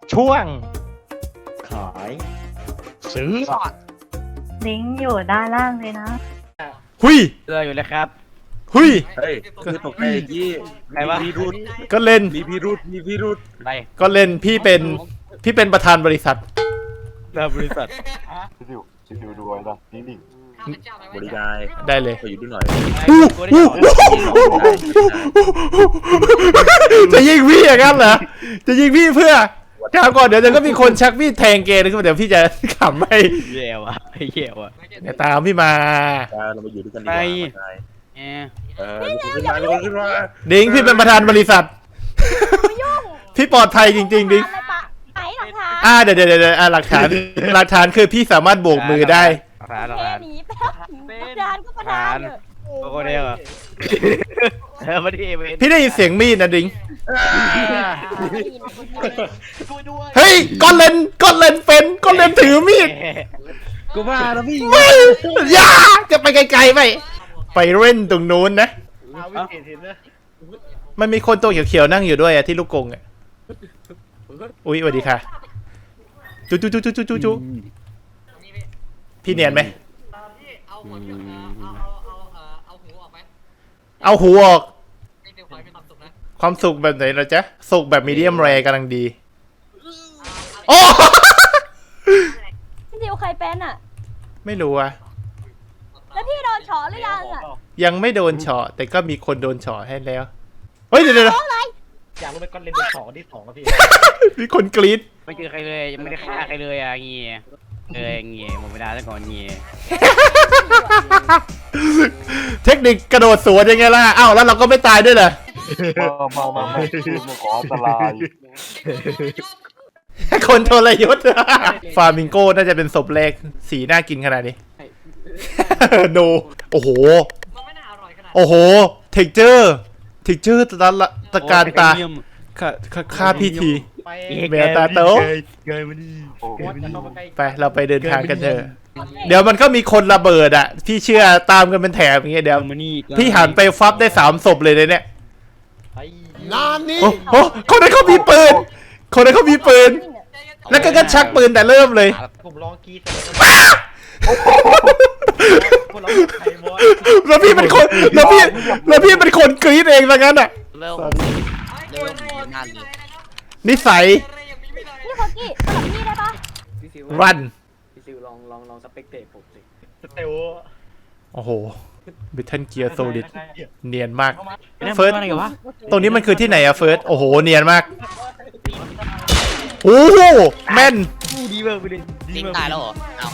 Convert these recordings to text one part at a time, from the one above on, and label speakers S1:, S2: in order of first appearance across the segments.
S1: ช่วง
S2: ขาย
S1: ซื้อ
S3: ลิงก์อยู่ด้านล่างเลยนะ
S1: หุย
S4: อยู่เลยครับ
S1: หุย
S2: เฮ้ยคือตกใจยี่
S4: ใครวะ
S2: มีพิรุษ
S1: ก็เล่น
S2: มีพิรุษมีพิรุษ
S4: ไป
S1: ก็เล่นพี่เป็นประธานบริษัท
S4: หน้าบริษัท
S5: ชิวๆดูไว้นะนิ่ง
S2: บริการ
S1: ได้เลย
S2: ขออยู่ด้วยหน่อย
S4: กูได้บอก
S1: จะยิงพี่อย่างนั้นเหรอจะยิงพี่เพื่อถามก่อนเดี๋ยวก็มีคนชักมีดแทงเกย์นะเดี๋ยวพี่จะขำให้
S4: แย่ว่ะแย่ว่ะ
S1: เดี๋ยวตามพี่มา
S2: เรามาอยู่ด้วยกันดีกว่า
S4: แย่
S2: ลุกขึ้นมาลุกขึ้นมา
S1: ดิงพี่เป็นประธานบริษัท พี่ปลอดภัยจริงๆดิง
S3: อะไรปะไหนหลักฐาน
S1: เดี๋ยวหลักฐานคือพี่สามารถโบกมือได้
S4: ร้าน
S3: แค่
S4: ร้าน
S3: หนีแป๊บประธานก็ประธานเถอะ
S4: โคเดียวมาที่เวน
S1: พี่ได้ยินเสียงมีดนะดิง
S5: ช่วยด้วย
S1: เฮ้ยก้อนเลนถือมีด
S2: กูว่าแล้วพี่
S1: ไม่อย่าจะไปไกลๆไปเล่นตรงนู้นนะ
S5: วิเศษเห็นนะ
S1: มันมีคนตัวเขียวๆนั่งอยู่ด้วยอะที่ลูกกรงอะอุ๊ยสวัสดีค่ะจุพี่เนียนไหมเอาหูออกความสุขแบบไหนล่ะจ๊ะสุขแบบมีเดียมแรกำลังดีโอ้
S3: พี่ดิวใครเป็นอ่ะ
S1: ไม่รู้อะ
S3: แล้วพี่โดนเฉาะหรือยังอ่ะ
S1: ยังไม่โดนเฉาะแต่ก็มีคนโดนเฉาะให้แล้วเฮ้ยเดี๋ยว
S5: อยากรู้ไหมก้อนเลนเป็นสองที่สองครับพี่
S1: มีคนกรี๊ด
S4: ไม่เจอใครเลยยังไม่ได้ฆ่าใครเลยเงี้ยเงี้ยหมดเวลาแล้วก่อนเงี้ย
S1: เทคนิคกระโดดสวนยังไงล่ะอ้าวแล้วเราก็ไม่ตายด้วยเหรอ
S5: มาคือมาขออันตราย
S1: คนทรยศ ฟามิงโก้น่าจะเป็นศพแรกสีน่ากินขนาดนี้ โนโอ้โหโอ้โหเทคเจอร์ตะการตาฆ่าพี่ที
S5: ไป
S1: แมวตาโต ไปเราไปเดินทางกันเถอะเดี๋ยวมันก็มีคนระเบิดอ่ะพี่เชื่อตามกันเป็นแถบอย่างเงี้ยเดี๋ยวพี่หันไปฟับได้3 ศพเลยเนี่ย
S5: ไป
S1: โอ้โหคนนั้นเขามีปืนแล้วก็ชักปืนแต่เริ่มเลย
S5: ผมลองกีเสร็จคนเราใครบอส
S1: แล้วพี่เป็นคนแล้วพี่เป็นคนกรี๊ดเองซะงั้นอ่ะ
S4: เริ่มงานเลย
S1: นิสัย
S3: พี่โคกี้สลับพี่ได้ปะ
S6: พี่ซิว
S1: รัน
S6: พี่ซิวลองสเปกเตตผมสิ
S5: สเตล
S1: โอ้โหบิทเทิลเกียร์โซลิดเนียนมาก
S4: เฟิร์สอะไรกันวะ
S1: ตรงนี้มันคือที่ไหนอะเฟิร์สโอ้โหเนียนมากโอ้โหแม่น
S4: ดีมากไปเลย
S7: ดิ้งตายแล้วเหรอเอา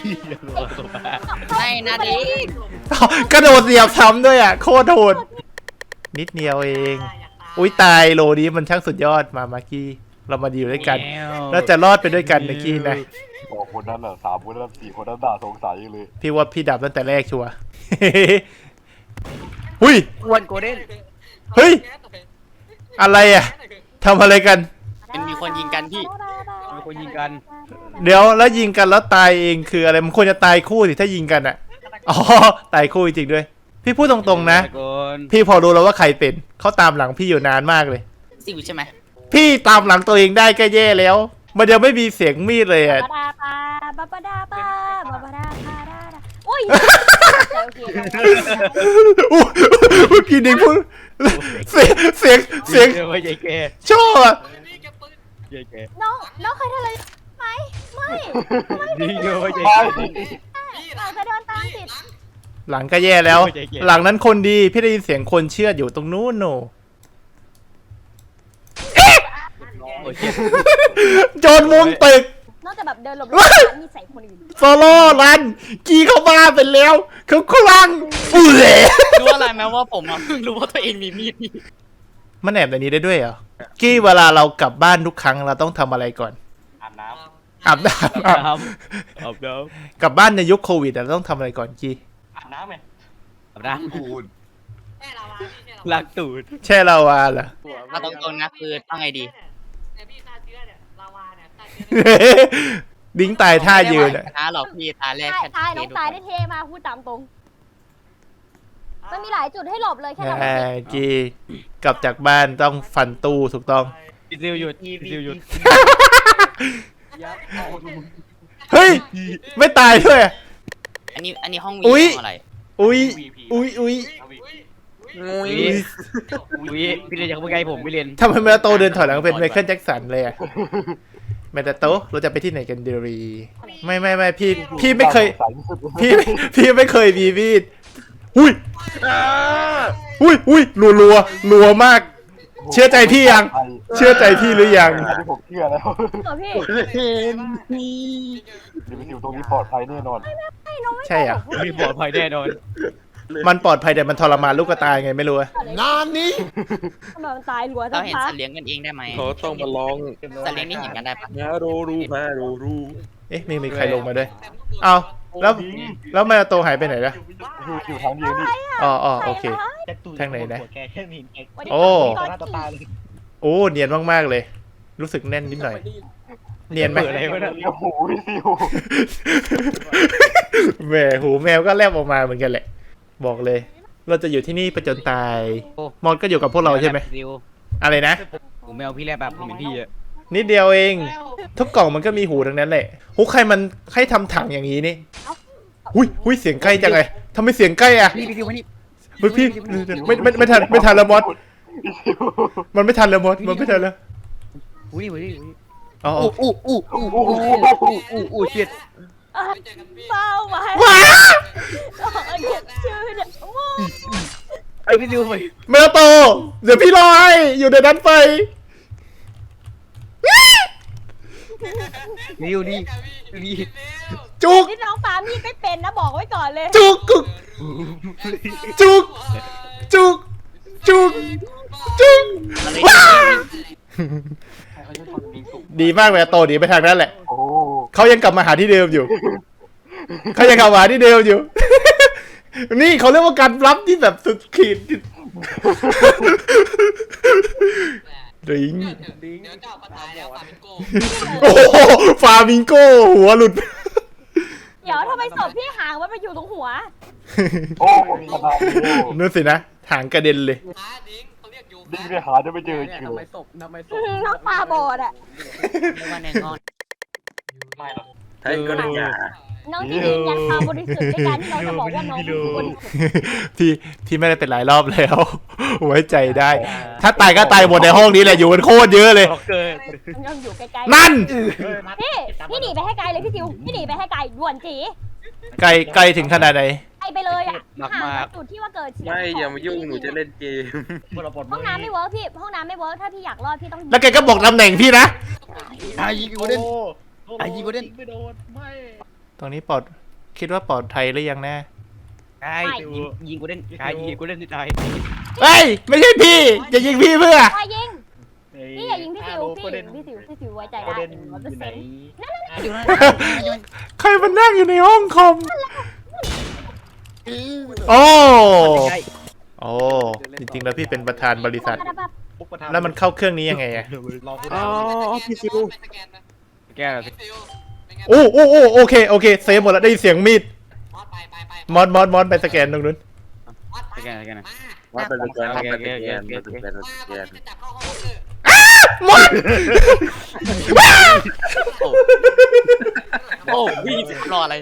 S7: ไม่นะดิ้ง
S1: กระโดดเหยียบซ้ำด้วยอ่ะโคตรโหดนิดเดียวเองอุ้ยตายโลนี้มันช่างสุดยอดมากี้เรามาอยู่ด้วยกันเราจะรอดไปด้วยกันนะกี้นะ
S5: บอกคนนั้นอ่ะ3 คนนั้น4 คนนั้นด่าสงสัยเลย
S1: พี่ว่าพี่ดับตั้งแต่แรกชัวร์ หุ้ย
S4: อ้วนโกลเด้น
S1: เฮ้ยอะไรอ่ะทำอะไรกัน
S7: มันมีคนยิงกันพี่
S4: มีคนยิงกัน
S1: เดี๋ยวแล้วยิงกันแล้วตายเองคืออะไรมันควรจะตายคู่สิถ้ายิงกันอ่ะอ๋อตายคู่จริงๆด้วย พี่พูดตรงๆนะ พี่พอรู้แล้วว่าใครเป็นเขาตามหลังพี่อยู่นานมากเลย
S7: ซิวใช่ไหม
S1: พี่ตามหลังตัวเองได้ก็แย่แล้ว มันยังไม่มีเสียงมีดเลยอ่ะ
S3: บาดาปาบาบาดาปาบาบาดาปาดาดาอุ้ยโอเค
S1: เมื่อกี้ดิงพูดเสียง
S4: ไม่ใช่แก
S1: ชอบอ่ะ
S3: น้องเคยทำอะไรไหมไม่
S4: ดิ้งไม่ใช่
S3: เราจะเดินตามติด
S1: หลังก็แย่แล้ว หลังนั้นคนดีพี่ได้ยินเสียงคนเชื่อดอยู่ตรงนู้นโนโจรมุมตึก
S3: นอกจากแบบเดินหลบมีใส่คนอื่น
S1: โซโล่รันกีเข้ามาเป็นแล้วเขาคลั่งอุ้ย
S7: รู้อะไรไหมว่าผมเพิ่งรู้ว่าตัวเองมีมีด
S1: มันแอบในนี้ได้ด้วยเหรอกี้เวลาเรากลับบ้านทุกครั้งเราต้องทำอะไรก่อน
S5: อาบน้
S1: อาบน้ำ
S4: อาบน้
S1: กลับบ้านในยุคโควิดเราต้องทำอะไรก่อนกี้
S5: ำอาบน้ำไหม
S4: ำอาบน้ำลักตูด
S1: แช่ลาวาเหรอ
S7: เอาตรงๆนะคือต้องไงดี
S1: ดิ้งตายท่ายืนอ่ะ
S7: นะหรอกพี่ตาแรก
S3: ตายน้องตายได้เทมาพูดตามตรงมันมีหลายจุดให้หลบเลยแค่เรา
S1: กี้กลับจากบ้านต้องฟันตู้ถูกต้อง
S4: พี่ซิวหยุดพี่ซิวหยุด
S6: ยับเอา
S1: เฮ้ยไม่ตายด้วย
S7: อันนี้ห้องวี
S1: อุ๊ย
S7: ห้องอะไร
S1: อุ้ยอุ้ยอุ้ย
S4: อุ้ยพี่เรียนจากเมื่อไงผมพี่เรียน
S1: ทำไมเมตาโตเดินถอยหลังเป็นไมเคิลแจ็คสันเลยอะเมตาโตเราจะไปที่ไหนกันดีไม่พี่ไม่เคยพี่ไม่เคยมีมีดอุ้ยอุ้ยรัวมาก เชื่อใจพี่ยัง เชื่อใจพี่หรือยัง
S5: อันนี้ผมเชื่อแล้ว
S3: เหรอพี่
S5: เดี๋ยวไปอยู่ตรงนี้ปลอดภัยแน่นอน
S1: ใช่อ่ะ
S4: พี่ปลอดภัยแน่นอน
S1: มันปลอดภัยแต่มันทรมานลูกกระตายไงไม่รู้อะ
S3: นานนี้ทำไมมันตายรัวจั
S7: เรา
S3: ง
S7: เห็น
S3: คะ
S7: สัตว์เลี้ยงกันเองได้ไหม
S2: เขาต้องมาลอง
S7: สัตว์เลี้ยงนี่เห็นกันได้ปะ
S2: มาดู
S1: เอ๊ะมีใครลงมาด้วยเอาแล้วเมตาโตหายไปไหนล่ะ
S5: อยู่ทางเดียวนี่
S1: อ๋อโอเค ทางไหนนะ โอ้ โอ้เนียนมากๆเลย รู้สึกแน่นนิดหน่อย เนียนไหม
S4: อะไรวะเนี่ย
S5: โอ้โหพี่ซิว
S1: แหมหูแมวก็แลบออกมาเหมือนกันแหละ บอกเลย เราจะอยู่ที่นี่ประจนตาย มอนก็อยู่กับพวกเราใช่ไหม
S4: ซิว
S1: อะไรนะ
S4: ผมไม่เอาพี่แลบแบบผมเป็นพี่อะ
S1: นิดเดียวเอง ทุกกล่องมันก็มีหูทั้งนั้นแหละหูใครมันให้ทำถังอย่างนี้นี่หุ้ยเสียงใกล้จังเลยทำไมเสียงใกล้อ่ะ
S4: พี่ซิวมานี่
S1: เฮ้ยพี่ไม่ทันแล้วมอสมันไม่ทันแล้วมอสมันไม่ทันแล้ว
S4: อุ้ย
S1: อ๋อ
S4: อู้เชียด
S3: เฝ้าไว้
S1: ว้า
S3: เขียนชื่อเนี่ยโอ้
S4: ไอพี่ซิวไป
S1: เมลโต เดี๋ยวพี่รอให้อยู่ในนั้นไป
S4: ซิวนี่นี่
S1: จุก
S3: นี่น้องปามีดไม่เป็นนะบอกไว้ก่อนเลย
S1: จุกจุกว้าดีมากเมลโตดีไปทางนั้นแหละ
S5: โอ้
S1: เขายังกลับมาหาที่เดิมอยู่ นี่เขาเรียกว่าการรับที่แบบสุดขีดดิง
S6: ดิ้ง
S1: โอ้โหฟามิงโก้หัวหลุด
S3: เดี๋ยวทำไมศพพี่หางมันไปอยู่ตรงหัว
S5: โอ้ขนาดนี้
S1: นั่นสินะหางกระเด็นเลย
S5: ดิ้งไปหาจะไม่เจอ
S6: เนี่ย
S5: คิว
S6: ทำไมศพ
S3: น้องปลาบอดอ่ะ
S7: ไม่ว่าในงอน
S5: ไม่หรอก
S2: ให้ก็ได้ยา
S3: น้องจะยืนยันความบริสุทธิ์ด้วยการที่น้องจะบอกว่าน้องเป็นคนบริสุทธิ์
S1: พี่ไม่ได้เป็นหลายรอบแล้ว ไว้ใจได้ ถ้าตายก็ตายหมดในห้องนี้แหละอยู่กันโคตรเยอะเลย
S4: ล็อกเกอร์
S3: ยังอยู่ไกลๆ
S1: นั่น
S3: พี่หนีไปให้ไกลเลยพี่ซิวพี่หนีไปให้ไกลด่วนจี
S1: ไกลถึงขนาดไหน
S3: ไกลไปเลยอ่ะห่างจากจุดที่ว่าเกิดเสียง
S2: ไม่อย่ามายุ่งหนูจะเล่นเกม
S3: ห้องน้ำไม่เวิร์กพี่ห้องน้ำไม่เวิร์กถ้าพี่อยากรอดพี่ต้อง
S1: แล้วแกก็บอกตำแหน่งพี่นะ
S4: ไอ้ยิงกูเด่นไอ้ยิงกูเด่น
S1: ตรงนี้คิดว่าปลอดภัยหรือยังแน่
S4: ไอ้ยิงกูเด่นไอ้ยิงกูเด่นที่ตาย
S1: เฮ้ยไม่ใช่พี่จะยิงพี่เพื่อ
S3: ไปยิงพี่อย่ายิงพี่ซิวพี่ซิวไว้ใจได้100%
S1: ใครมันนั่งอยู่ในห้องคอมโอ้จริงๆแล้วพี่เป็นประธานบริษัท แล้วมันเข้าเครื่องนี้ยังไงอะ
S2: อ๋อพี่ซิว
S4: แก้ว
S1: โอเคเซฟหมดแล้วได้ยินเสียงมีดมอนไปสแกนตรงนู้น
S4: แก้วนะ
S2: ว่าเป็นแกน
S1: มอน
S7: โอ้พี่รออะไร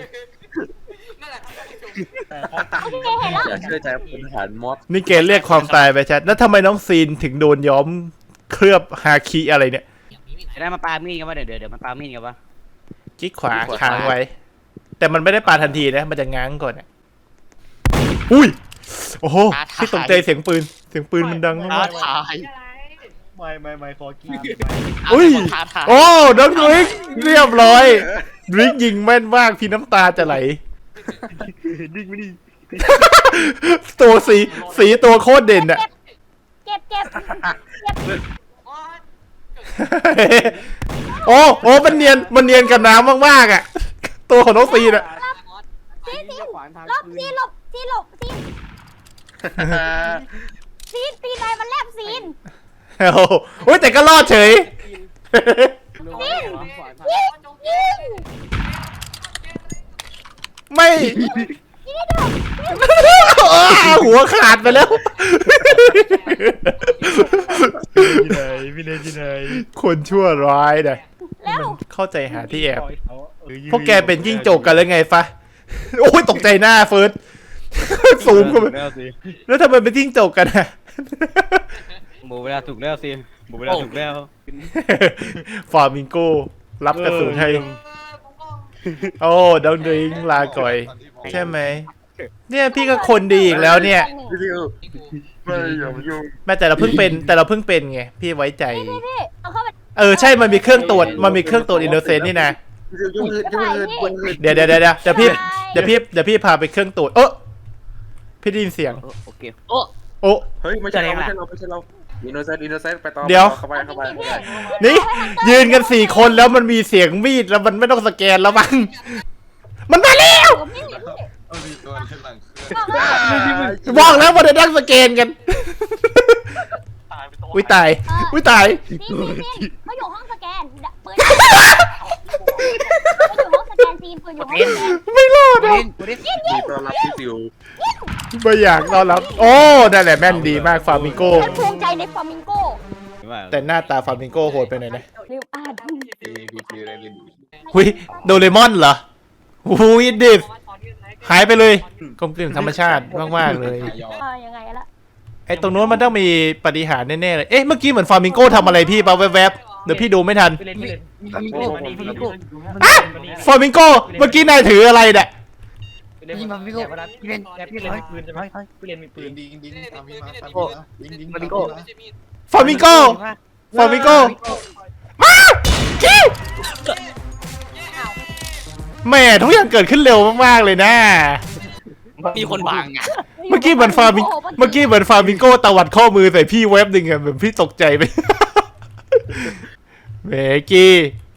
S3: โอเคเห็นแล้ว
S2: อย่าเชื่อใจพลทหารมอส
S1: นี่เกณฑ์เรียกความตายไปชัดแล้วทำไมน้องซีนถึงโดนย้อมเคลือบฮาคิอะไรเนี่ย
S4: ได้มาปามีดกันวะเดี๋ยวมาปามีดกันวะ
S1: กิ๊กขวาค้างไว้ แต่มันไม่ได้ปาทันทีนะมันจะง้างก่อนอะอุ้ยโอ้โหพี่ตกใจเสียงปืนมันดัง
S7: ท้าม
S1: าก
S7: ทาย
S5: ไม่ขอกิน
S1: อุ้ย
S7: ท้าทาย
S1: โอ้น้องดริกเรียบร้อยดริกยิงแม่นมากพี่น้ำตาจะไหล
S5: ดิ้งไม่ดี
S1: ตัวสีตัวโคตรเด่นอะ
S3: เก็บ
S1: โอ้มันเนียนกับน้ำมากๆอะตัวของน้องซีนอะ
S3: ซีนหลบซีนอะไรมันแลบซีน
S1: โอ้ยแต่ก็รอดเฉย
S3: ยิง
S1: ไม่ หัวขาดไปแล้ว
S4: ที่ไหนพี่เล่นที่ไหน
S1: คนชั่วร้ายเนี่ย
S3: แล้ว
S1: เข้าใจหาที่แอบพวกแกเป็นจิ้งจกกันแล้วไงฟะโอ้ยตกใจหน้าเฟิร์สซูมเข้าไป
S4: แล้วสิ
S1: แล้วทำไมเป็นจิ้งจกกันอะ
S4: หมูเวลาถูกแล้วสิหมูเวลาถูกแล้ว
S1: ฟามิงโกรับกระสุนให้โอ้ดองดริงลาก่อย ใช่ไหมเนี่ยพี่ก็คนดีอีกแล้วเนี่ย
S2: พี่ซิวไม่อย่ามายุ่ง
S1: แม้แต่เราเพิ่งเป็นไงพี่ไว้ใจ
S3: พี่เอาเข้าไป
S1: ใช่มันมีเครื่องตรวจอินโนเซนต์นี่นะ
S2: พี่ซิวยุ่งเลยยุ่งเลยยุ่งเลย
S1: เดี๋ยวพี่พาไปเครื่องตรวจพี่ได้ยินเสียง
S4: โอเค
S7: โอ้
S1: โอ้
S2: เฮ้ยไม่ใช่เราอินโนเซนต์ไปต่อ
S1: เดี๋ยว
S2: เข้าไป
S1: นี่ยืนกัน4 คนแล้วมันมีเสียงมีดแล้วมันไม่ต้องสแกนแล้วมั้งมันมาแล้ว
S3: ผมไม่เห็นพี่
S6: เอาดีตัวในหลังเค
S3: บอกว่า
S6: รื่อง
S1: บอกแล้วมันจะนั่งสแกนกัน
S5: ตายไปตัว
S1: อุ้ยตายอุ้ยตาย
S3: พี่เขาอยู่ห้องสแกนปืนเขาอยู่ห้องสแกนซีนปืนอยู่ห้องสแกน
S1: ไม่รอด
S4: กู
S1: อ่ะ
S4: เล่นกูเล่น
S2: ดีต้อนรับพี่ซิว
S1: ไม่อยากต้อนรับ โอ้นั่นแหละแม่นดีมากฟามิงโก
S3: ฉันภูมิใจในฟลามิงโก
S1: แต่หน้าตาฟามิงโกโหดไปหน่อยนะ
S3: เร็วอ่าน
S6: พีอะไรเล่น
S1: หุยโดเรมอนเหรอหุยดิฟหายไปเลยกลมกลืนธรรมชาติมากๆเลย
S6: ยอ
S3: ยังไงละ
S1: ไอ้ตรงนู้นมันต้องมีปาฏิหารย์แน่ๆเลย เอ๊ะ เมื่อกี้เหมือนฟามิงโก้ทำอะไรพี่ปะแวบๆ เดี๋ยวพี่ดูไม่ทัน
S4: พี่เล่นพี่เล่นพี่โก้พี่โก้
S1: อะฟามิงโก้ เมื่อกี้นายถืออะไรเนี่ย
S4: พี่มาพี่โก้พี่เล่นพี่เล่นมีปืนใช่ไหมพี่เล่นมีปื
S6: ปื
S4: น
S6: นดิงตามพี่มาตามพี่มาดิง
S4: มาดิโก้
S1: ฟามิงโก้ ฟามิงโก้ มาคิวแหม่ทุกอย่างเกิดขึ้นเร็วมากๆเลยนะ
S7: มีคนบังอ่ะ
S1: เมื่อกี้เหมือนฟามิงโก้ตวัดข้อมือใส่พี่เว็บหนึ่งอะแบบพี่ตกใจไป เมกี้